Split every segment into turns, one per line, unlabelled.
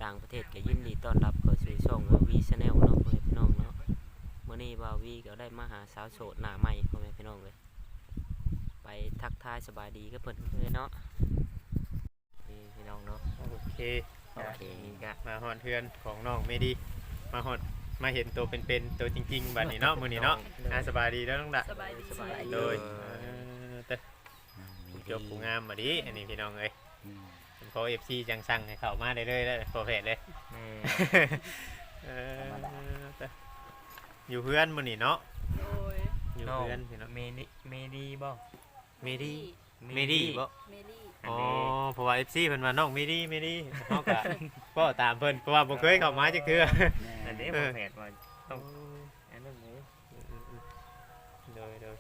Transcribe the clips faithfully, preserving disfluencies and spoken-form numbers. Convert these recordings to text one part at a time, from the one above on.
ต่างประเทศก็ยินดีต้อนรับเข้าสู่ช่องว่าวีชาแนลเนาะพ่อแม่พี่น้องเนาะมื้อนี้ว่าวีก็ได้มาหาสาวโสดหน้าใหม่พ่อแม่พี่น้องเลยไปทักทายสบายดีกับเพิ่นเลยเนาะนี่พี่น้องเนาะ
โอเค
โอเค
ก็มาฮอดเฮือนของน้องเมดีมาฮอดมาเห็นตัวเป็นๆตัวจริงๆบัดนี้เนาะมื้อนี้เนาะอ่าสบายดีแล้วน้องดะ
สบายดี
สบายดี
โดยเอ่อแต่ผู้จบผู้งามบัดนี้อันนี้พี่น้องเอ้ยพอ เอฟ ซี จังสั่งให้เข้ามาได้เลยแล้วโปรเฟสเลย
แม่
เออแต่อยู่เพื่อนมื้อนี้เนาะ
โดย
อยู่
น้อง
เพื่อนพี่เนาะ
เมดีเมดีบ่
เมดีเมดีบ่
เมลี่
อ๋อเพราะว่า เอฟ ซี เพิ่นว่าน้องเมดีเมดีเฮาก็บ่ตามเพิ่นเพราะว่าบ่เคยเข้ามาจักเทื่อ
อันนี้โปรเฟสว่าต้องอันนั้นเลย
โดยโดย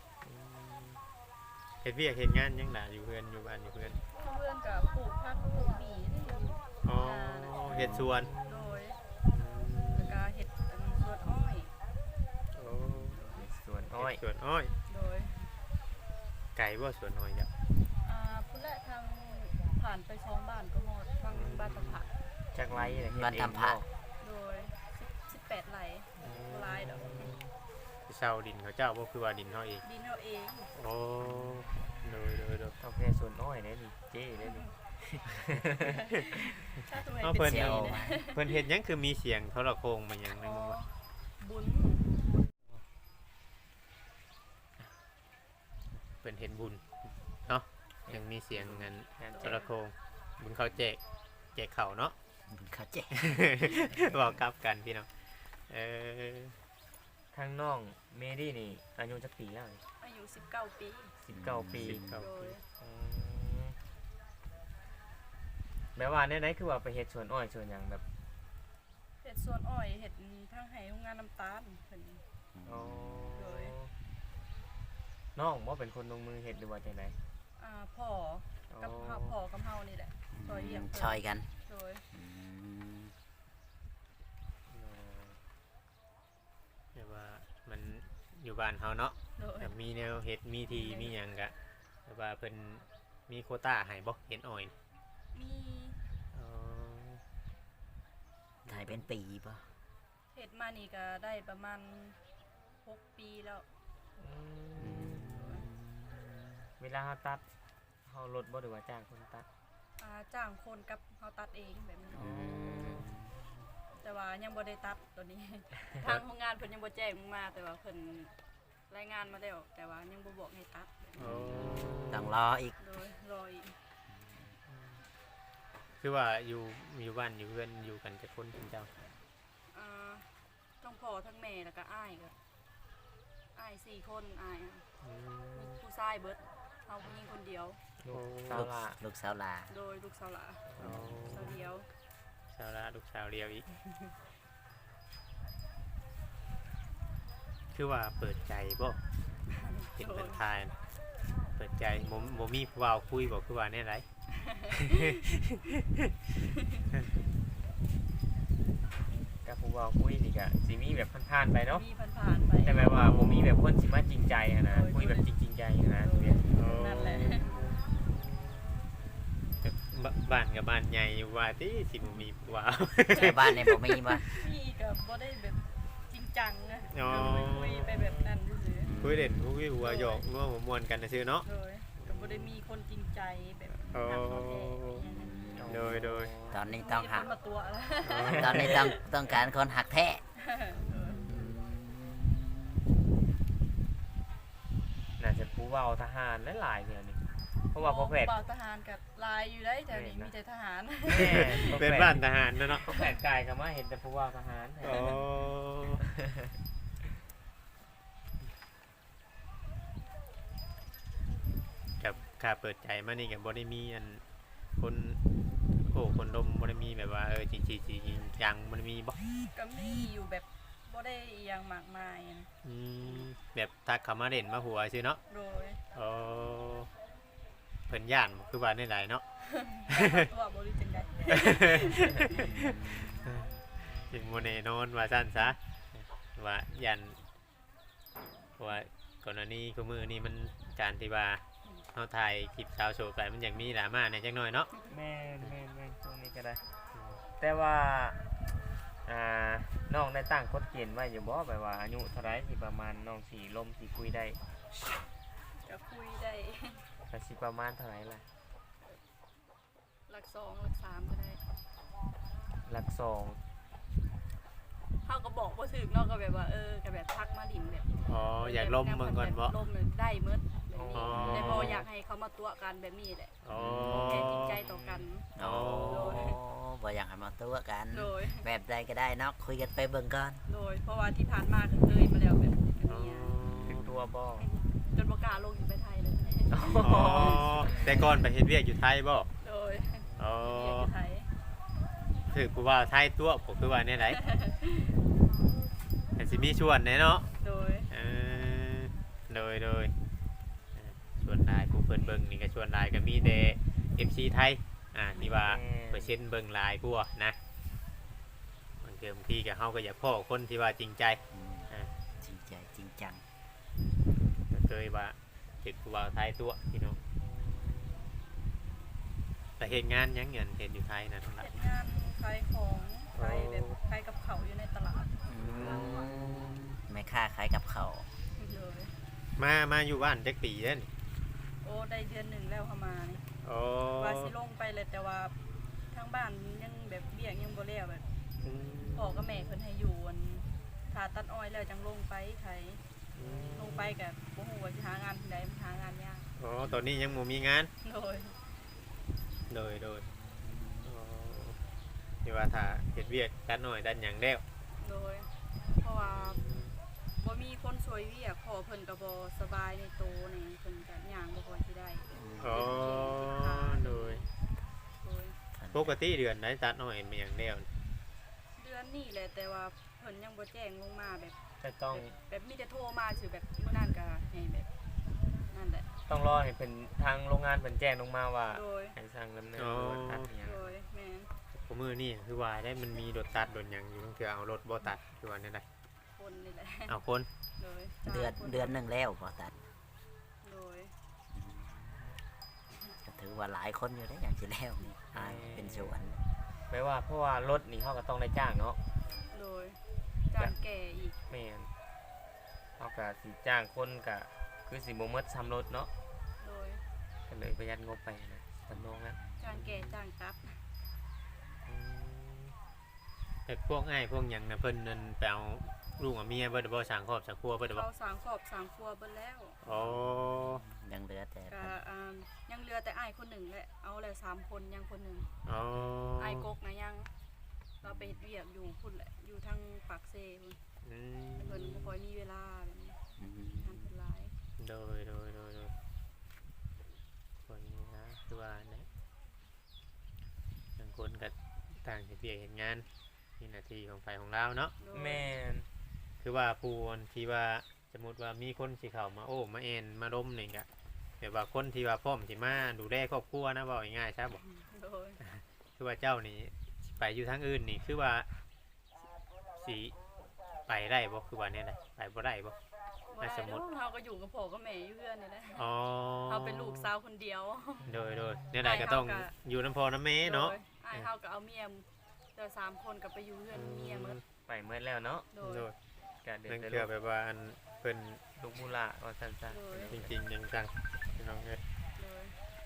เฮ็ดเวียกเฮ็ดงานยังล่ะอยู่เพื่อนอยู่บ้านอยู่เพื่อน
เพื่อนกับปลูกผักปลูกหมี่นี่อยู่
อ๋อเฮ็ดสวน
โดยแล้วก็เห็ดอันสวนอ้อย
โอ้
สวนอ้อย
เฮ็ดสวนอ้อย
โดย
ไก่บ่สวนอ้อยจ้ะ
อ่าพุ่นแหละทางผ่านไปสองบ้านก็หมดทางบ้านตะผะ
จักไรอะไร
บ้านทำผัก
โดยสิบแปดไร่ลายดอก
เช่าดินเขาเจ้าบ่คือว่าดินเฮาเอง
ดินเอาเอง
โอ้โดยโดยโดย
โอเคสวนอ้อยได้ดิเจ้ได้ดิ
ถ้าทำไม
เอา
เป็
เพิ่
น
น
สี
เจียว
นะ
เพิ่นเฮ็ดหยังคือมีเสียงโทรโข่งมาหยังนึ
อ๋
ง
อ
บ่
บุญ
เพิ่นเฮ็ดบุญเนาะยังมีเสียงเงินโทรโข่งบุญเขาแจกแจกข้าวเนาะ
เขาเจ๊
บอกกลับกันพี่น้องเออ
ทางน้องเมดี้นี่อายุจักปีแล้ว
อายุสิบเก้าปี
สิบเก้าปี
สิบเก้า
โด
ปี
ย
แม้ว่าในไหนคือว่าไปเฮ็ดสวนอ้อยสวนหยังแบบ
เห็ดสวนอ้อยเห็ดทางไหโรงงานน้ำตาลเพิ่น
อ๋อ
โดย
น้องว่าเป็นคนลงมือเฮ็ดหรือว่าจังได
อ่าพ่อกับเฮาพ่อกับเฮานี่แหละซอยเลี้ยงเพิ่น
ชอยกัน
โดย
อืม
แต่ว่ามันอยู่บ้านเฮาเนาะ
โดย
แต่มีแนวเฮ็ดมีทีมีหยังกะแต่ว่าเพิ่นมีโควต้าให้บ่เห็ดอ้อย
มี
อ๋อ
ถ่ายเป็นปีป่ะ
เห็ดมานี่ก็ได้ประมาณหกปีแล้ว
เวลาเฮาตัดเฮาลดบ่หรือว่าจ้างคนตัด
อ่าจ้างคนกับเฮาตัดเองแบบนี้
อืม
แต่ว่ายังบ่ได้ตัดตัวนี้ ทางโรงงานเพิ่นยังบ่แจ้งมาแต่ว่าเพิ่นรายงานมาแล้วแต่ว่ายังบ่บอกให้ตัด
โอ้
ต้องรออีก
โดยรออีก
คือว่าอยู่อยู่บ้านอยู่เพื่อนอยู่กันจะคนเป็นเจ้า
อ่าทั้งพ่อทั้งแม่แล้วก็อ้ายก็อ้ายสี่คนอ้ายอะ
อืม
มีผู้ชายเบิดเฮาผู้หญิงคนเดียว
ลูก
โอ้
สาว
ลูก
ละ
ลูกสาวลา
โดยลูกสาวหลา
อ๋อ
สาวเดียว
สาวละลูกสาวเดียวอีก คือว่าเปิดใจบ่เห็นเป็นทายนะเปิดใจบ่บ่มีผู้เว้าคุยบ่คือว่าแน่ไร
กับผู้เว้าคุยนี่ก็สิมีแบบผ่านๆไปเนาะ
มีผ่านๆไป
แต่แบบว่าบ่มีแบบคนสิมาจริงใจอะนะคุยแบบจริงๆใจอะนะเนี่ย
นั่นแหละ
บบ้านกับบ้านใหญ่อยู่ว่าที่สิบ่มีผู้เว้า
แต่บ้านเนี่ยผมมีป่ะ
พี่ก็บ่ได้แบบจริงจังนะ
อ๋อ
คุยไปแบบนั้นซื่อ
คุยเล่นคุยหัวหยอกนัวหัวม่วนกันซื่อเนาะ
ๆโดยก็บ่ได้มีคนจริงใจแบบ
โอ้
ทำเขาแท้อย่างนั้น
โดยโดย
ตอนนี้ต้องหัก
มีคนมาตัวแล้ว
ตอนนี้ต้องต้องการคนหักแท้
น่าจะผู้เว้าทหารหลายๆเนี่ยนี่เพราะว่าพอแพทย์
บ่าวทหารกับลายอยู่ได้แถวนี้มีแต่ทหาร
แม่
เป็นบ้านทหารนะเนาะ
พอแพทย์กายก็มาเห็นแต่ผู้เว้าทหาร
โอ้กับค่าเปิดใจมานี่กับบได้มีอันคนโอ้คนดมบได้มีแบบว่าเออจริงจริงจริงจังบได้มีบ่
ก็มีอยู่แบบบ่ได้อหยังมากมายนะ
อืมแบบทักเขามาเด่นมาหัวซื่อเนาะ
โดย
โอ้เพิ่นย่านบ่คือว่าในหลายเนาะ
ตัวบ่รู้จังได๋
ยังโมเนนอนว่าสั้นซะว่ายันว่าก่อนหน้านี้ก็มือนี้มันการที่ว่าเขาถ่ายคลิปสาวโสดไปมันยังมีดราม่าในจังน้อยเนาะ
แม่นแม่นแม่นตรงนี้ก็ได้
แต่ว่าอ่าน้องได้ตั้งกฎเกณฑ์ไว้อยู่บ่แบบว่าอายุเท่าไรที่ประมาณน้องสิลมสิคุยได้
ก็คุยได้
ก็สิประมาณเท่าไหร่ล่ะ
หลักสองหลักสามก็ได้
หลักสอง
เขาก็บอกว่าถึกเนอกก็แบบว่าเออก็แบบทักมาดิ่มแบบ
อ๋ออยากล้มเบิ่งก่อนบ่
แบบลมเนี่ยได้เมื่แบบนี้
อ๋อ
แต่บออยากให้เขามาตัวกันแบบนี้แหละ
อ๋อ
แค่จริงใจต่อกัน
โอ้บ่อยากให้มาตัวกัน
โดย
แบบใดก็ได้เนาะคุยกันไปเบิ่งก่อน
โดยเพราะว่าที่ผ่านมาก็เคยมาแล้วแบบแบบนี้อะ
ถึงตัวบ่
จนประกล้าลงอยู่ไปไทยเลย
อ๋อแต่ก่อนไปเฮ็ดเวียกอยู่ไทยบ่
โดย
อ๋อ
เรียนอยู่ไทย
ถือผู้ว่าไทยตัวผมคือว่าแนี่ไหนแต่สิมีชวนแน่เนาะ
โดย
เออโดยโดยเอ่อชวนหลายผู้เพิ่นเบิ่งนี่ก็ชวนหลายก็มีแต่ เอฟ ซี ไทยอ่านี่ว่าเปอร์เซ็นต์เบิ่งหลายกว่านะบางเทีบางทีก็เฮาก็อยากพ้อคนที่ว่าจริงใจ
อืม
อ่า
จริงใจจริงจัง
ก็เคยว่าติดผู้ว่าไทยตัวพี่น้องแต่เฮ็ดงานหยังเงินเฮ็ดอยู่ไทยนะทั้งหลาย
เฮ็ดงานขายของขายแบบขายกับเขาวอยู่ในตลาด
อืมไม่ค่าขายกับเขาว
เลย
มามาอยู่บ้านจักปีเด้น
โอ้ได้เดือนหนึ่งแล้วเข้ามานี่
โอ้
ว่าสิลงไปเลยแต่ว่าทางบ้านยังแบบเบี้ยงยังบ่แล้วแบบ
อืม
พ่อกับแม่เพิ่นให้อยู่อันถ้าตัดอ้อยแล้วจังลงไปไทย
อืม
ลงไปก็บ่ฮู้ว่าสิหางานที่ใดมันหางานยาก
อ๋อตอนนี้ยังบ่มีงาน
โดย
โดยโดยอ๋อที่ว่าถ้าเฮ็ดเวียกด้านหน่อยด้านหยังแล้ว
โดย เพราะว่าบ่มีคนช่วยเวียกพ่อเพิ่นก็บ่สบายในโตนี่เพิ่นก็ย่างบ่ค่อยสิได้
อ๋อโดย
โดย
ปกติเดือนได้ตัดหน่อยมันหยังแล้ว
เดือนนี้แหละแต่ว่าเพิ่นยังบ่แจ้งลงมาแบบ
จะต้อง
แบบมีแต่โทรมาสิแบบมื้อนั้นก็ให้แบบนั่นแหละ
ต้องรอให้เป็นทางโรงงานเพิ่นแจ้งลงมาว่า
โดย
ให้สั่งดำเนิน
อ๋อ
การตัดอิหยัง
โดยแม่น
ผมมือนี่คือว่าได้มันมีรถตัดรถหยังอยู่ต้องเถื่อเอารถบ่ตัดคือว่านี่ได้
คนนี่แหละ
เอาคน
โดย
เดือน
จ้างค
เดือนหนึ่งแล้วพอตัด
โดย
ก็ถือว่าหลายคนอยู่ได้อย่างที่แล้วนี่อ่าเป็นสวน
แปลว่าเพราะว่ารถนี่เฮาก็ต้องได้จ้างเนาะ
โดยจ้างแก่อีก
แม่นเฮาก็สิจ้างคนก็คือสิบ่หมดซ้ำรถเนาะ
โดย
ก็เลยประหยัดงบไปนะสำรองแล้ว
จ้างแก่จ้างตัด
อืม
แต่พวกอ้ายพวกหยังนะเพิ่นนั่นไปเอาลูกกับเมียเบิดบ่สร้างครอบสร้างครัวเบิดบ่
เขาสร้างครอบสร้างครัวเบิดแล้ว
อ๋อ
ยังเหลือแต่
ก็อ่ายังเหลือแต่อ้ายคนหนึ่งแหละเอาแล้วสามคนยังคนหนึ่ง
อ๋อ
อ้ายกกนะยังเราไปเฮ็ดเวียกอยู่พุ่นแหละอยู่ทางปากเซ่พุ่น
อืม
เพิ่นบ่ค่อยมีเวลาแบบนี้
อืม
งานเพิ่นหลาย
โดยโดยโดยโดยคนนี้นะคือว่านะบางคนก็ต่างเฮ็ดเวียกเฮ็ดงานนี่หน้าที่ของฝ่ายของเราเนาะ
โดย
แม่น
คือว่าผู้ที่ว่าสมมติว่ามีคนสิเข้ามาโอ้มาเอ็นมาล้มนี่ก็แบบว่าคนที่ว่าพร้อมสิมาดูแลครอบครัวนะเว้าง่ายๆใช่บ่
โดย
คือว่าเจ้านี่สิไปอยู่ทางอื่นนี่คือว่าสิไปได้บ่คือว่าเนี่ยได้ไปบ่ได้บ่
บ่
ให้
ได้
สมมุติ
เนาะเราก็อยู่กับพ่อกับแม่อยู่เพื่อนนี่แหละ
อ๋อ
เราเป็นลูกสาวคนเดียว
โดยโดยเนี่ยได้ก็ต้อง
ไปเฮาก็
อยู่น้ำพอน้ำเมเนาะ
โดยอ้ายเฮาก็เอาเมียเจอสามคนก็ไปอยู่เพื่อนเมียหมด
ไปเมื่อแล้วเนาะ
โดย
โดย
ก็เดือ
นั่
ด
น
แต่
คือ
ลูก
แบบว่าอันเพิ่น
ลูกมูลาว่าซั่นซะ
โดย
จริงๆยังจังพี่น้องเอ้ย
โดย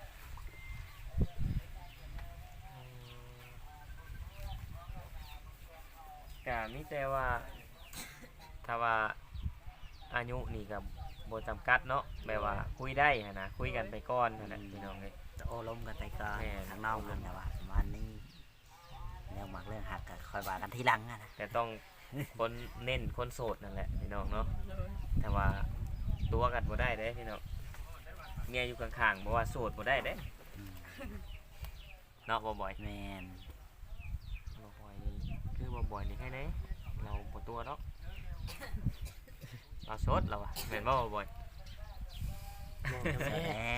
ก็มีแต่ว่าถ้าว่าอายุนี่ก็บ่จำกัดเนาะแบบว่าคุยได้หั้นนะคุยกันไปก่อนหั่นน่ะพี่น้องเอ้ย
โอ้ล้มกันไปก่อน
แม่
ทางนอกกันแต่ว่าประมาณนี้เรื่องหมักเรื่องหักก็คอยว่ากันทีหลังอะนะ
แต่ต้องคนเน้นคนโสดนั่นแหละพี่น้องเนาะ
โดย
แต่ว่าตัวกันบ่ได้เด้พี่น้องเมียอยู่ข้างๆบ่ว่าโสดบ่ได้เด้
อืม
เนาะบ่บ่อย
แมน
บ่บ่อยนี่คือบ่บ่อยนี่แค่ไหนเราบ่ตัวเนาะเราโสดเราอะแม่นบ่บ่บ่อย
เสร็จแล้ว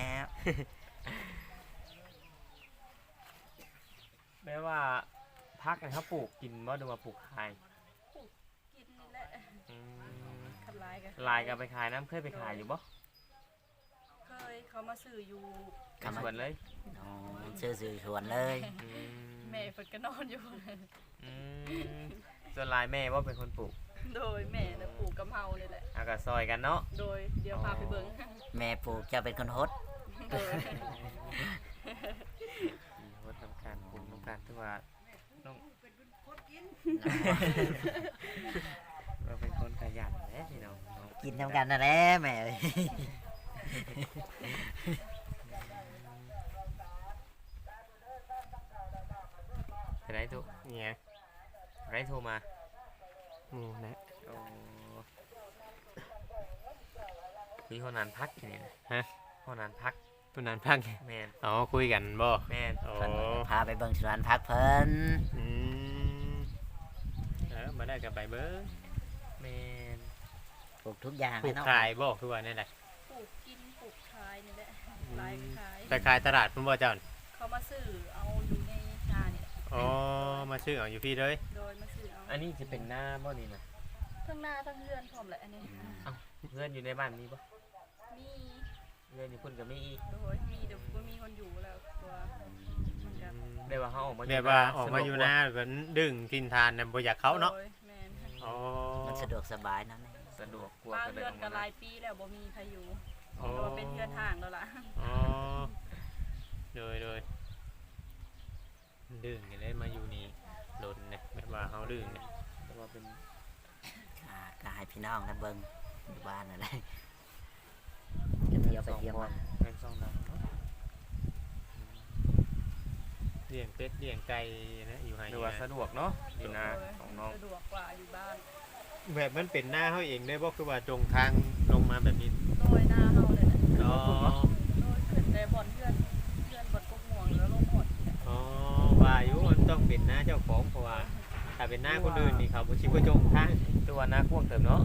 แม้ว่าพักนะครับปลูกกินบ่ดูว่าปลูกขาย
กินนี่แหละ
อืม
คันลายกัน
ลายก็ไปขายน้ำเคยไปขายอยู่บ่
เคยเขามาซื้ออยู่
สวนเลย
อ๋อซื้อสื่อชวนเลย
อืม
แมม่เพิ่นก็นอนอยู่
อืมส่วนหลายแม่ว่าเป็นคนปลูก
โดยแม่น่ะปลูกกะเพรานี่แหละ
เอาก็ซอยกันเนาะ
โดยเดี๋ยวพาไปเบิ่ง
แม่ปลูกเจะเป็นคนฮด
โดย
มีวัดทำการปลูกทำการที่ว่าน้องเราเป็นคนขยันแหละพี่น้องเนาะ
กินทำกันนั่นแหละแม่เอ้ย
ไปไหนทุก
เนี่ย
ไปไหนโทรมา
นี่นะ
โอ้คุยห้องนานพักทีนี่นะ
ฮะ
ห้องนานพัก
ตุนานพัก
แมน
อ๋อคุยกันบ่
แมน
โอ้
เพิ่นพาไปเบิ่งสวนพักเพิ่น
อืมเออมาได้กับไปเบิ้ง
แมน
ปลูกทุกอย่าง
ปลูก
เนาะ
ขายบ่คือว่านี่แหละ
ปลูกกินปลูกขายนี่แหละหลายขาย
ไปขายตลาดพุ่นบ่เจ้า
เขามาซื้อเอาอยู่ในงานนี่แหละ
อ๋อมาชื่อเอาอยู่พี่เลย
โดยมาซื้อเอา
อันนี้จะเป็นหน้าบ่นี่นะ
ทั้งหน้าทั้งเรือนพร้อมแหละอันนี้
เพื่อนอยู่ในบ้านมีบ่
มี
เพื่อนอยู่พุ่นกับมีอีก
โดยมีเดี๋ยวบ่มีคนอยู่แล้วตัวมันก็
ได้ว่าเขาออกมา
แบบว่าออกมาอยู่หน้าก็ดึงกินทานน่ะบ่อยากเข้าเนาะ
โดยแม่น
อ๋อ
มันสะดวกสบายเนาะแม่
สะดวกกว่า
บ้าน
ก็เลย
เรือ
อน อก
ก็
มา
หลายปีแล้วบ่มีใครอยู่
อ๋อ
โดยเป็นเรือนห่างแล้วล่ะ
อ๋อโดยโดยดึงนี่เลยมาอยู่นี่โดนเนี่ยแบบว่าเฮาดึงเนี่ย
แต่ว่าเป็น
อ่าก็ให้พี่น้องนะเบิ่งอยู่บ้านนั่นแหละจะเที่ยวไปเที่ยวมา
เป็นสองดังเนาะ
เลี้ยงเป็ดเลี้ยงไก่นะอยู่ให้
หรือว่าสะดวกเนาะอยู่นาของน้อง
สะดวกกว่าอยู่บ้าน
แบบมันเป็นหน้าเฮาเองได้บ่คือว่าตรงทางลงมาแบบนี้
โดยหน้าเฮาเลยแหละ
อ๋อ
โดยขึ้นได้บ่อนเพื่อนเพื่อนบ่อนกกม่วงแล้วลงหมด
อ๋อว่าอยู่มันต้องเป็นหน้าเจ้าของเพราะว่าถ้าเป็นหน้าคนอื่นนี่เขาบ่ชิบ่จงทาง
ตัวหน้ากว้างเติมเนาะ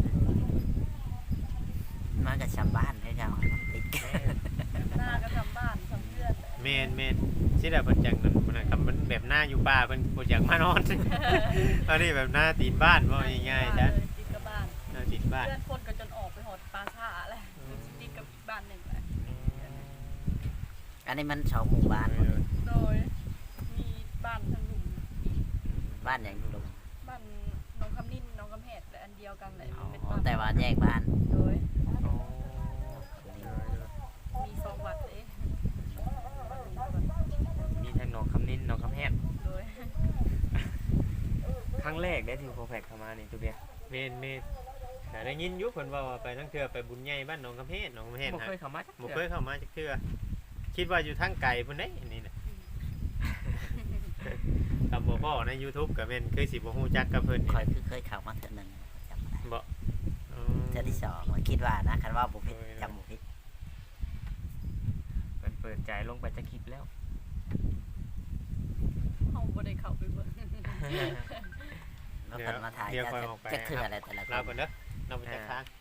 มันก็ชาวบ้านให้เราให้มันติดกัน
หน้าก็ทำบ้านทำเพื่อนแหละ
แม่นแม่นสิได้เพิ่นจังนั้นมันน่ะมันแบบหน้าอยู่ป่าเพิ่นบ่อยากมานอน อันนี้แบบหน้าตีนบ้านว่าง่ายๆจ้ะ
เลยติดกับบ้าน
หน้าตีนบ้าน
เพื่อนคนก็จนออกไปหอดปลาซ่าแหละติดกับบ้านหนึ่งแหละ
อันนี้มันสองหมู่บ้านหมดเลย
โดยมีบ้านทางหลุมอีก
บ้านอย่างลุง
บ้านน้องคำนิ่นน้องคำแหดและอันเดียวกันเลย
อ๋
เป็น
อ
บ้าน
แต่ว่าแยกบ้าน
โดย
อ๋อ
มีสองวัดเอง
มีทั้งหนองคำนินหนองคำแฮด
โดย
ครั้งแรกได้ที่โคแพกเข้ามานี่ตัวเบีย
แม่นแม่นแต่ได้ยินอยู่เพิ่นว่าว่าไปทั้งเทื่อไปบุญใหญ่บ้านหนองกำแพงหนองกำแพง
บ่
ฮะ
เคยเข้ามาจัก
บ่
เทื่อ
เคยเข้ามาจักเทื่อคิดว่าอยู่ทางไกลพุ่นเด้อันนี้น่ะกับบ่พ้อใน YouTube ก็แม่นคือสิบ่ฮู้จักกับเพิ่น
ค
นี่
อยคือเคยเข้ามาเทื่อหนึงจำบ่ได้
บ่อ๋อ
เทื่อที่สองมันคิดว่านะคันว่าบุพิษจำบุพิษ
เปิดเปิดใจลงไปจะคลิปแล้ว
เฮาบ่ได้เข้าไปเบิ่ง
แล้วคนมาถ่าย
เดี๋ยว
จะ
ค่อยออกไป
จะคืออะไรแต่ละค
ลาก่
น
อนเด้อเราไปจักทาง